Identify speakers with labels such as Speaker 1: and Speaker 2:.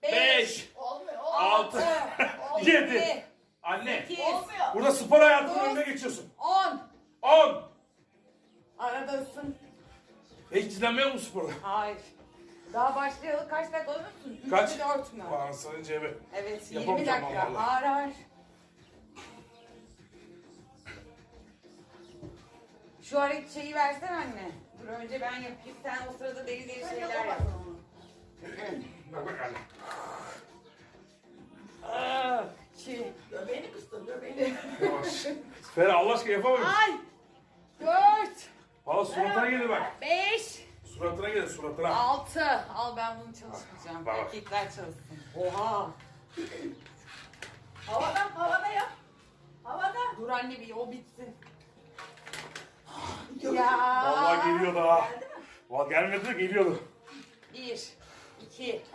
Speaker 1: 5,
Speaker 2: Olmuyor.
Speaker 1: 6, 7. Anne.
Speaker 3: 8,
Speaker 2: Olmuyor.
Speaker 1: Burada spor hayatının önüne geçiyorsun.
Speaker 3: 10.
Speaker 1: 10.
Speaker 3: Aradasın.
Speaker 1: Hiç dinlenmiyor musun sporda?
Speaker 3: Hayır. Daha başlayalı kaç dakika olur musun? 3
Speaker 1: Kaç?
Speaker 3: mü 4 mü?
Speaker 1: Anasının cebi.
Speaker 3: Evet 20
Speaker 1: Yapamayacağım
Speaker 3: dakika.
Speaker 1: vallahi.
Speaker 3: Ağır ağır. Şu şeyi versen anne. Dur önce ben yapayım. Sen o sırada deli deli şeyler yap.
Speaker 1: Bak bak anne.
Speaker 3: Çi.
Speaker 2: Göbeğini kıstır göbeğini.
Speaker 1: Yavaş. Ferah Allah aşkına yapamıyorum.
Speaker 3: Ay. 4.
Speaker 1: Valla suratına gelir bak.
Speaker 3: 5.
Speaker 1: Suratına gelir suratına.
Speaker 3: 6. Al ben bunu çalışmayacağım.
Speaker 1: Bak.
Speaker 3: Erkekler çalışsın. Oha.
Speaker 2: Havada yap. Havada.
Speaker 3: Dur anne bir o bitsin.
Speaker 2: Yok.
Speaker 3: Ya.
Speaker 1: Vallahi geliyordu ha.
Speaker 2: Geldi mi?
Speaker 1: Vallahi gelmedi de geliyordu.
Speaker 3: 1, 2,